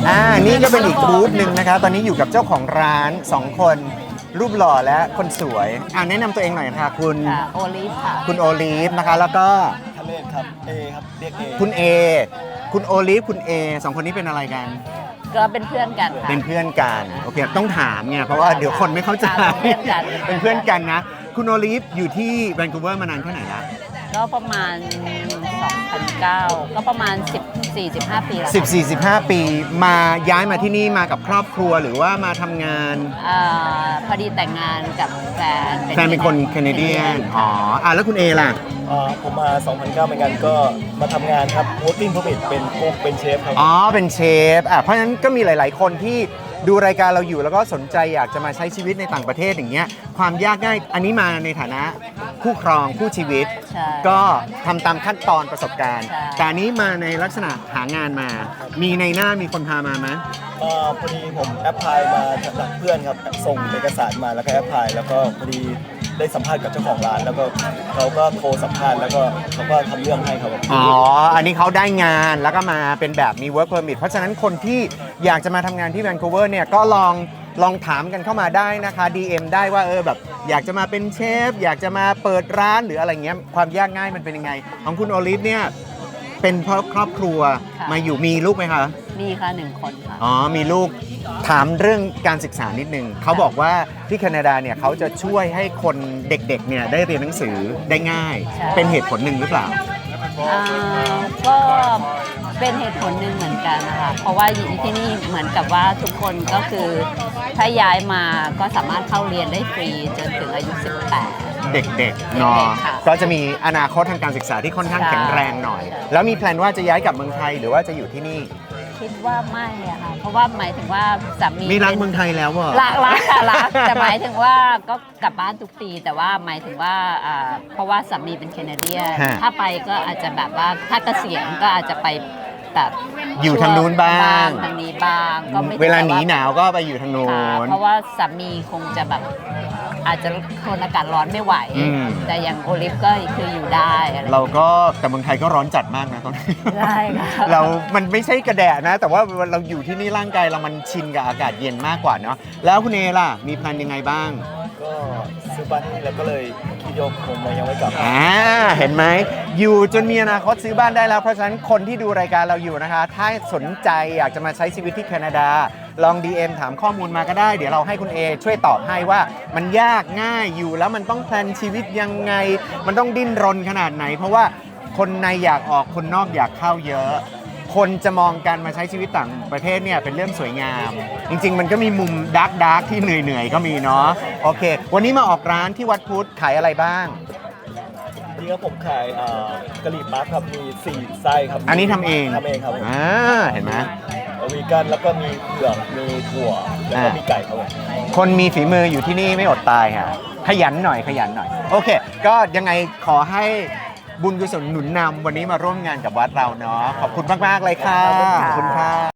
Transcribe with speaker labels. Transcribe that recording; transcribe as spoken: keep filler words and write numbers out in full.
Speaker 1: อ่านี่ก็เป็นอีกบูธหนึ่งนะคะตอนนี้อยู่กับเจ้าของร้านสองคนรูปหล่อและคนสวยอ่าแนะนำตัวเองหน่อยค่ะคุณ
Speaker 2: ค่ะโอลิฟค่ะ
Speaker 1: คุณโอลีฟนะคะแล้วก็
Speaker 3: ทะเลครับเอครับเรียกเอ
Speaker 1: คุณเอคุณโอลีฟคุณเอสองคนนี้เป็นอะไรกัน
Speaker 2: ก็เป็นเพื่อนกันค่ะ
Speaker 1: เป็นเพื่อนกันโอเคต้องถามไงเพราะว่าเดี๋ยวคนไม่เข้าใจ
Speaker 2: ค่ะเป็นเพื่อนกัน
Speaker 1: เป็นเพื่อนกันนะคุณโอลีฟอยู่ที่แวนคูเวอร์มานานแค่ไหนละ
Speaker 2: ก็ประมาณ สองพันเก้า ก็ประมาณ สิบสี่ สิบห้า ปีแล้ว
Speaker 1: สิบสี่ สิบห้า ปีมาย้ายมาที่นี่มากับครอบครัวหรือว่ามาทำงาน
Speaker 2: อ่าพอดีแต่งงานกับแฟน
Speaker 1: แฟนเป็นคนแคนาเดียนอ๋ออ่ะแล้วคุณเอล่ะ
Speaker 3: อ่าผมมา สองพันเก้า เหมือนกันก็มาทำงานครับ working permit เป็นกุ๊กเป็นเชฟครับ
Speaker 1: อ๋อ เป็นเชฟ อ่ะ เพราะฉะนั้นก็มีหลาย ๆ คนที่ดูรายการเราอยู่แล้วก็สนใจอยากจะมาใช้ชีวิตในต่างประเทศอย่างเงี้ย ความยากง่าย อันนี้มาในฐานะคู่ครองคู่ชีวิต
Speaker 2: ใช่
Speaker 1: ก็ทำตามขั้นตอนประสบการณ์
Speaker 2: ใช่
Speaker 1: แต่อันนี้มาในลักษณะหางานมา มีในหน้ามีคนพามาไหม
Speaker 3: อ่าพอดีผมแอปพลายมาจากเพื่อนครับ ส่งเอกสารมาแล้วก็แอปพลายแล้วก็พอดีได้สัมภาษณ์กับเจ้าของร้าน แล้วก็เขาก็โทรสัมภาษณ์แล้วก็เขาก็ทำเรื่องให้ครับผม
Speaker 1: อ๋อ อันนี้เขาได้งานแล้วก็มาเป็นแบบมี work permit เพราะฉะนั้นคนที่อยากจะมาทำงานที่แวนคูเวอร์เนี่ยก็ลองลองถามกันเข้ามาได้นะคะ ดี เอ็ม ได้ว่าเออแบบอยากจะมาเป็นเชฟ อยากจะมาเปิดร้านหรืออะไรเงี้ยความยากง่ายมันเป็นยังไง ของคุณโอลิฟเนี่ยเป็นครอบครอบครัว
Speaker 2: ค่ะ
Speaker 1: มาอยู่มีลูกไหมคะ
Speaker 2: มีค่ะหนึ่งคนค่ะ
Speaker 1: อ๋อ มีลูกถามเรื่องการศึกษานิดนึงเขาบอกว่าที่แคนาดาเนี่ยเขาจะช่วยให้คนเด็กๆเนี่ยได้เรียนหนังสือได้ง่าย
Speaker 2: ใช่
Speaker 1: เป็นเหตุผลหนึ่งหรือเปล่า
Speaker 2: อ่าก็เป็นเหตุผลหนึ่งเหมือนกันนะคะ เพราะว่าอยู่ที่นี่เหมือนกับว่าทุกคนก็คือถ้าย้ายมาก็สามารถเข้าเรียนได้ฟรีจนถึงอายุ สิบแปด
Speaker 1: เด็กๆเนาะ
Speaker 2: เด็กๆค่ะ
Speaker 1: ก็จะมีอนาคตทางการศึกษาที่ค่อนข้าง
Speaker 2: ใช่
Speaker 1: แข็งแรงหน่อย
Speaker 2: ใช่
Speaker 1: แล้วมีแพลนว่าจะย้ายกลับเมืองไทยหรือว่าจะอยู่ที่นี่
Speaker 2: คิดว่าไม่อะค่ะ เพราะว่าหมายถึงว่าสามี
Speaker 1: มีรักเมืองไทยแล้วเหรอ
Speaker 2: รักรักค่ะรักแต่หมายถึงว่าก็กลับบ้านทุกปี แต่ว่าหมายถึงว่าอ่าเพราะว่าสามีเป็นแคนาเดียน
Speaker 1: ฮะ
Speaker 2: ถ้าไปก็อาจจะแบบว่าถ้าเกษียณก็อาจจะไปแบบ
Speaker 1: อยู่ทางนู้นบ้าง
Speaker 2: ทางนี้บ้างก็ไม่
Speaker 1: เวลาหนีหนาวก็ไปอยู่ทางโน้
Speaker 2: ค่ะ
Speaker 1: น
Speaker 2: เพราะว่าสามีคงจะแบบอาจจะทนอากาศร้อนไม่ไหว
Speaker 1: อืม
Speaker 2: แต่อย่างโอลิฟก็คืออยู่ได้อะไร
Speaker 1: เราก็แต่เมืองไทยก็ร้อนจัดมากนะตอนนี้
Speaker 2: ได้ค่ะ
Speaker 1: เรา มันไม่ใช่กระแดะนะ แต่ว่าเราอยู่ที่นี่ร่างกายเรามันชินกับอากาศเย็นมากกว่าเนาะ แล้วคุณเอล่ะ มีแพลนยังไงบ้าง
Speaker 3: ก็ซื้อบ้านที่นี่แล้วก็เลยคิดโยกผมยังไม่กลับ
Speaker 1: อ่า เห็นไหม อยู่จนมีอนาคตซื้อบ้านได้แล้ว เพราะฉะนั้นคนที่ดูรายการเราอยู่นะคะ ถ้าสนใจอยากจะมาใช้ชีวิตที่แคนาดา ลอง ดี เอ็ม ถามข้อมูลมาก็ได้ เดี๋ยวเราให้คุณเอช่วยตอบให้ว่ามันยากง่ายอยู่แล้วมันต้องแพลนชีวิตยังไง มันต้องดิ้นรนขนาดไหน เพราะว่าคนในอยากออกคนนอกอยากเข้าเยอะ คนจะมองการมาใช้ชีวิตต่างประเทศเนี่ยเป็นเรื่องสวยงาม จริง ๆ มันก็มีมุมดาร์กดาร์กที่เหนื่อย ๆ ก็มีเนาะโอเค วันนี้มาออกร้านที่วัดพุทธขายอะไรบ้าง
Speaker 3: นี่ครับผมขายอ่ากะหรี่ปั๊บครับมีสี่ไส้ครับ
Speaker 1: อันนี้ทำเอง
Speaker 3: ทำเองครับผม
Speaker 1: อ่าเห็นไหม
Speaker 3: วีกันแล้วก็มีเผือกมีถั่วแล้วก็
Speaker 1: อ่ามี
Speaker 3: มีไก่ครับผม
Speaker 1: คนมีฝีมืออยู่ที่นี่ไม่อดตายค่ะขยันหน่อยขยันหน่อย โอเค ก็ยังไงขอให้บุญกุศลหนุนนำวันนี้มาร่วมงานกับวัดเราเนาะขอบคุณมาก ๆ เลยค่ะ
Speaker 2: ขอบคุณค่ะ
Speaker 1: ขอบคุณค่ะ